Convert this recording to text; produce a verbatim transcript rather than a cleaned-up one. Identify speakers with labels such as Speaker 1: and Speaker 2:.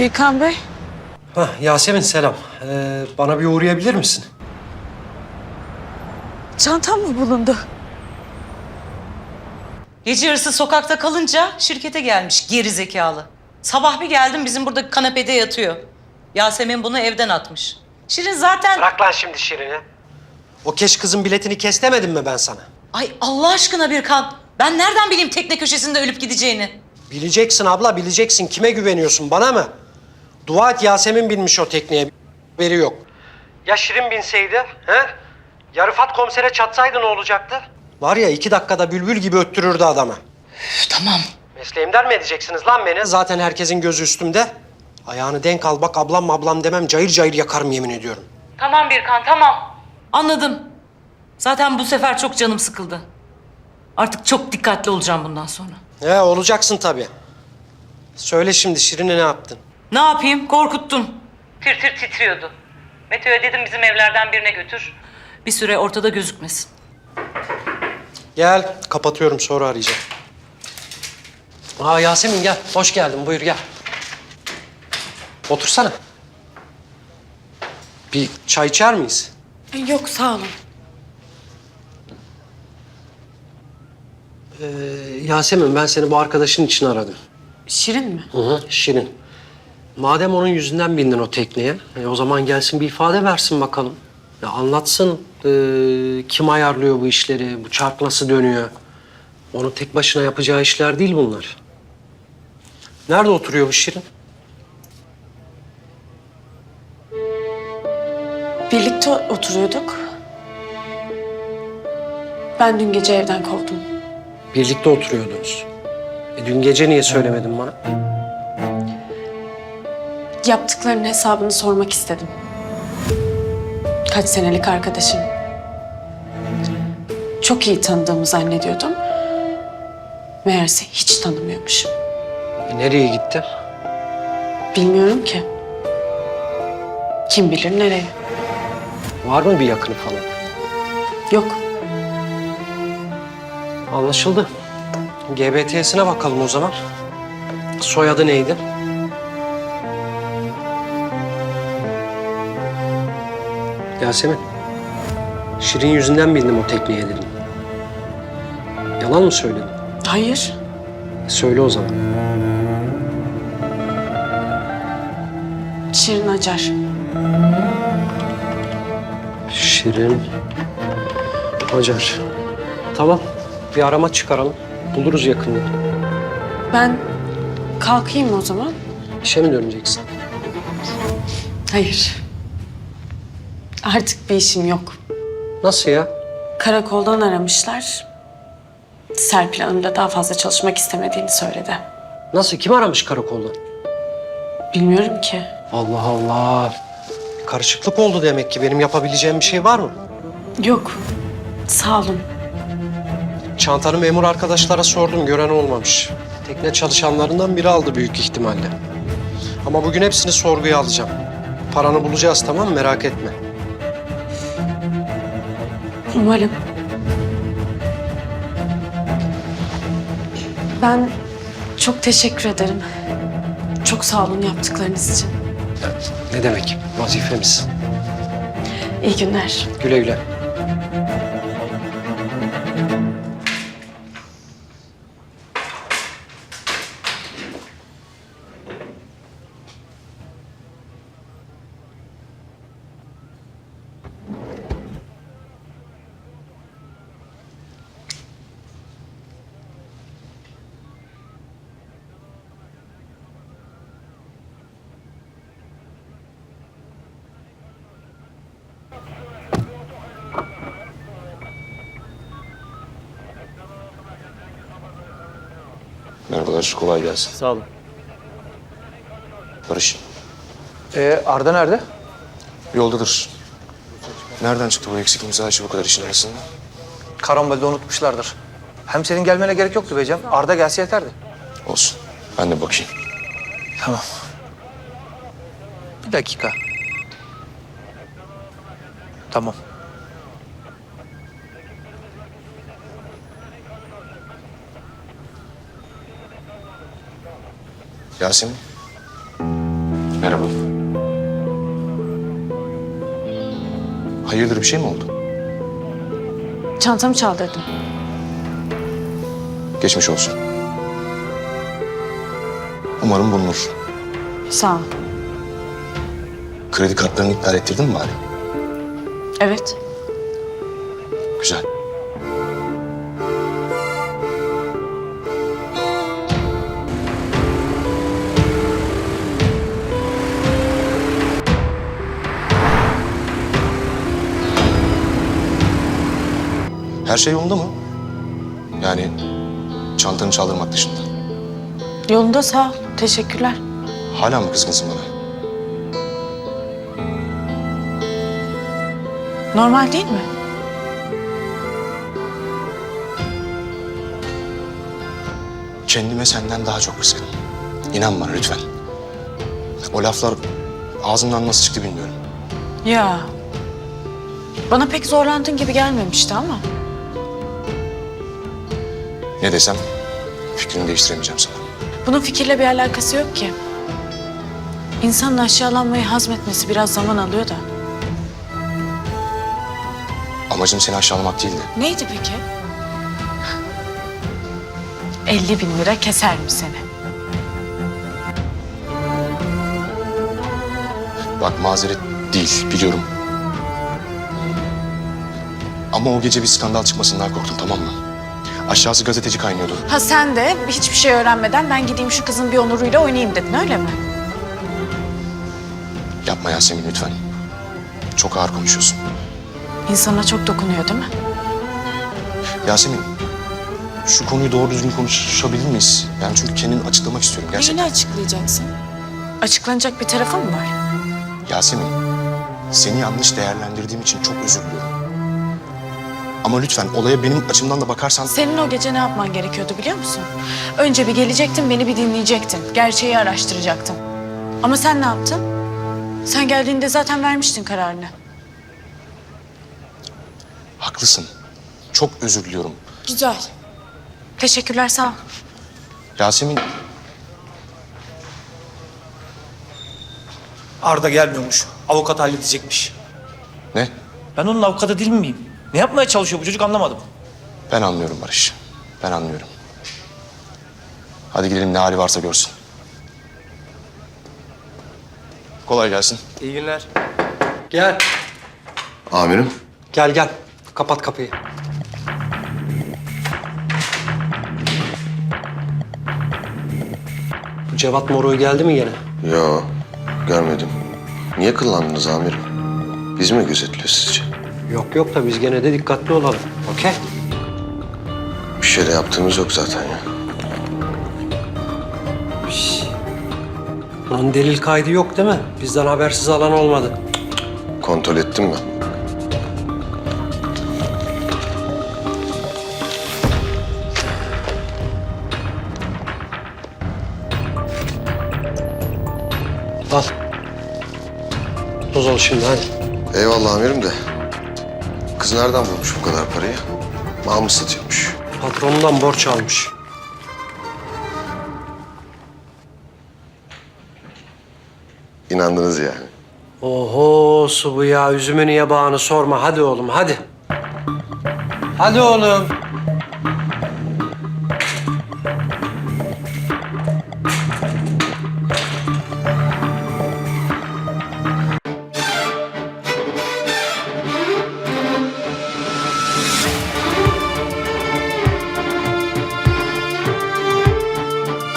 Speaker 1: Birkan Bey.
Speaker 2: Hah, Yasemin selam. Ee, bana bir uğrayabilir misin?
Speaker 1: Çantam mı bulundu?
Speaker 3: Gece yarısı sokakta kalınca şirkete gelmiş geri zekalı. Sabah bir geldim bizim burada kanepede yatıyor. Yasemin bunu evden atmış. Şirin zaten...
Speaker 2: Bırak lan şimdi Şirin'i. O keş kızın biletini kes demedim mi ben sana?
Speaker 3: Ay Allah aşkına Birkan. Ben nereden bileyim tekne köşesinde ölüp gideceğini?
Speaker 2: Bileceksin abla, bileceksin. Kime güveniyorsun, bana mı? Dua et Yasemin binmiş o tekneye. Haberi yok. Ya Şirin binseydi, he? Ya Rıfat komisere çatsaydı ne olacaktı? Var ya iki dakikada bülbül gibi öttürürdü adamı.
Speaker 3: Üf, tamam.
Speaker 2: Mesleğimden mi edeceksiniz lan beni? Zaten herkesin gözü üstümde. Ayağını denk al bak, ablam ablam demem, cayır cayır yakarım yemin ediyorum.
Speaker 3: Tamam Birkan tamam. Anladım. Zaten bu sefer çok canım sıkıldı. Artık çok dikkatli olacağım bundan sonra.
Speaker 2: He, olacaksın tabii. Söyle şimdi Şirin'e ne yaptın?
Speaker 3: Ne yapayım? Korkuttum. Tir tir titriyordu. Mete'ye dedim bizim evlerden birine götür. Bir süre ortada gözükmesin.
Speaker 2: Gel, kapatıyorum sonra arayacağım. Aa Yasemin gel, hoş geldin buyur gel. Otursana. Bir çay içer miyiz?
Speaker 1: Yok sağ olun.
Speaker 2: Ee, Yasemin ben seni bu arkadaşın için aradım.
Speaker 1: Şirin mi?
Speaker 2: Hı hı, Şirin. Madem onun yüzünden bindin o tekneye, e, o zaman gelsin bir ifade versin bakalım. Ya anlatsın e, kim ayarlıyor bu işleri, bu çark nasıl dönüyor. Onun tek başına yapacağı işler değil bunlar. Nerede oturuyor bu Şirin?
Speaker 1: Birlikte oturuyorduk. Ben dün gece evden kovdum.
Speaker 2: Birlikte oturuyordunuz. E, dün gece niye söylemedin bana?
Speaker 1: Yaptıklarının hesabını sormak istedim. Kaç senelik arkadaşım. Çok iyi tanıdığımı zannediyordum. Meğerse hiç tanımıyormuşum.
Speaker 2: E, nereye gitti?
Speaker 1: Bilmiyorum ki. Kim bilir nereye.
Speaker 2: Var mı bir yakını falan?
Speaker 1: Yok.
Speaker 2: Anlaşıldı. G B T'sine bakalım o zaman. Soyadı neydi? Yasemin. Şirin yüzünden bindim o tekneye dedim. Yalan mı söyledin?
Speaker 1: Hayır.
Speaker 2: Söyle o zaman.
Speaker 1: Şirin Acar.
Speaker 2: Şirin Acar. Tamam. Bir arama çıkaralım. Buluruz yakında.
Speaker 1: Ben kalkayım o zaman.
Speaker 2: İşe mi döneceksin?
Speaker 1: Hayır. Artık bir işim yok.
Speaker 2: Nasıl ya?
Speaker 1: Karakoldan aramışlar. Serpil Hanım da daha fazla çalışmak istemediğini söyledi.
Speaker 2: Nasıl? Kim aramış karakoldan?
Speaker 1: Bilmiyorum ki.
Speaker 2: Allah Allah. Karışıklık oldu demek ki. Benim yapabileceğim bir şey var mı?
Speaker 1: Yok. Sağ olun.
Speaker 2: Çantanı memur arkadaşlara sordum. Gören olmamış. Tekne çalışanlarından biri aldı büyük ihtimalle. Ama bugün hepsini sorguya alacağım. Paranı bulacağız tamam mı? Merak etme.
Speaker 1: Umarım. Ben çok teşekkür ederim. Çok sağ olun yaptıklarınız için.
Speaker 2: Ne demek? Vazifemiz.
Speaker 1: İyi günler.
Speaker 2: Güle güle.
Speaker 4: Merhabalar, kolay gelsin.
Speaker 5: Sağ olun.
Speaker 4: Barış,
Speaker 5: Ee, Arda nerede?
Speaker 4: yoldadır. Nereden çıktı bu eksik imza işi bu kadar işin arasında?
Speaker 5: Karambolde unutmuşlardır. Hem senin gelmene gerek yoktu be Cem. Arda gelse yeterdi.
Speaker 4: Olsun, ben de bakayım.
Speaker 5: Tamam. Bir dakika. Tamam.
Speaker 4: Yasemin, Hayırdır, bir şey mi oldu?
Speaker 1: Çantamı çaldırdım.
Speaker 4: Geçmiş olsun. Umarım bulunur.
Speaker 1: Sağ ol.
Speaker 4: Kredi kartlarını iptal ettirdin mi bari?
Speaker 1: Evet.
Speaker 4: Güzel. Her şey yolunda mı? Yani çantanı çaldırmak dışında.
Speaker 1: Yolunda, sağ ol. Teşekkürler.
Speaker 4: Hala mı kızgınsın bana?
Speaker 1: Normal değil mi?
Speaker 4: Kendime senden daha çok kızgınım. İnan bana lütfen. O laflar ağzımdan nasıl çıktı bilmiyorum.
Speaker 1: Ya. Bana pek zorlandığın gibi gelmemişti ama.
Speaker 4: Ne desem fikrini değiştiremeyeceğim sana.
Speaker 1: Bunun fikirle bir alakası yok ki. İnsanın aşağılanmayı hazmetmesi biraz zaman alıyor da.
Speaker 4: Amacım seni aşağılamak değildi.
Speaker 1: Neydi peki? elli bin lira keser mi seni?
Speaker 4: Bak mazeret değil biliyorum. Ama o gece bir skandal çıkmasından korktum, tamam mı? Aşağısı gazeteci kaynıyordu.
Speaker 1: Ha sen de hiçbir şey öğrenmeden ben gideyim şu kızın bir onuruyla oynayayım dedin, öyle mi?
Speaker 4: Yapma Yasemin lütfen. Çok ağır konuşuyorsun.
Speaker 1: İnsana çok dokunuyor değil mi?
Speaker 4: Yasemin, şu konuyu doğru düzgün konuşabilir miyiz? Yani çünkü kendimi açıklamak istiyorum gerçekten.
Speaker 1: Neyini açıklayacaksın? Açıklanacak bir tarafı mı var?
Speaker 4: Yasemin, seni yanlış değerlendirdiğim için çok özür diliyorum. Ama lütfen olaya benim açımdan da bakarsan...
Speaker 1: Senin o gece ne yapman gerekiyordu biliyor musun? Önce bir gelecektin, beni bir dinleyecektin. Gerçeği araştıracaktın. Ama sen ne yaptın? Sen geldiğinde zaten vermiştin kararını.
Speaker 4: Haklısın. Çok özür diliyorum.
Speaker 1: Güzel. Teşekkürler, sağ ol.
Speaker 4: Yasemin,
Speaker 5: Arda gelmiyormuş. Avukat halledecekmiş.
Speaker 4: ne?
Speaker 5: Ben onun avukatı değil miyim? Ne yapmaya çalışıyor bu çocuk anlamadım.
Speaker 4: Ben anlıyorum Barış. Ben anlıyorum. Hadi gidelim ne hali varsa görsün. Kolay gelsin.
Speaker 5: İyi günler.
Speaker 2: Gel.
Speaker 4: Amirim.
Speaker 2: Gel gel. Kapat kapıyı. Bu Cevat Moro'yu geldi mi gene?
Speaker 6: Yo, görmedim. Niye kıllandınız amirim? Biz mi gözetliyor sizce?
Speaker 2: Yok yok da biz gene de dikkatli olalım. Okey?
Speaker 6: Bir şey de yaptığımız yok zaten ya.
Speaker 2: Bunun delil kaydı yok değil mi? Bizden habersiz alan olmadı.
Speaker 6: Kontrol ettim mi?
Speaker 2: Al. Toz ol şimdi hadi.
Speaker 6: Eyvallah amirim de. Kız nereden bulmuş bu kadar parayı? Mal mı satıyormuş?
Speaker 2: Patronundan borç almış.
Speaker 6: İnandınız yani.
Speaker 2: Oho su bu ya. Üzümünü yabağını sorma. Hadi oğlum hadi. Hadi oğlum.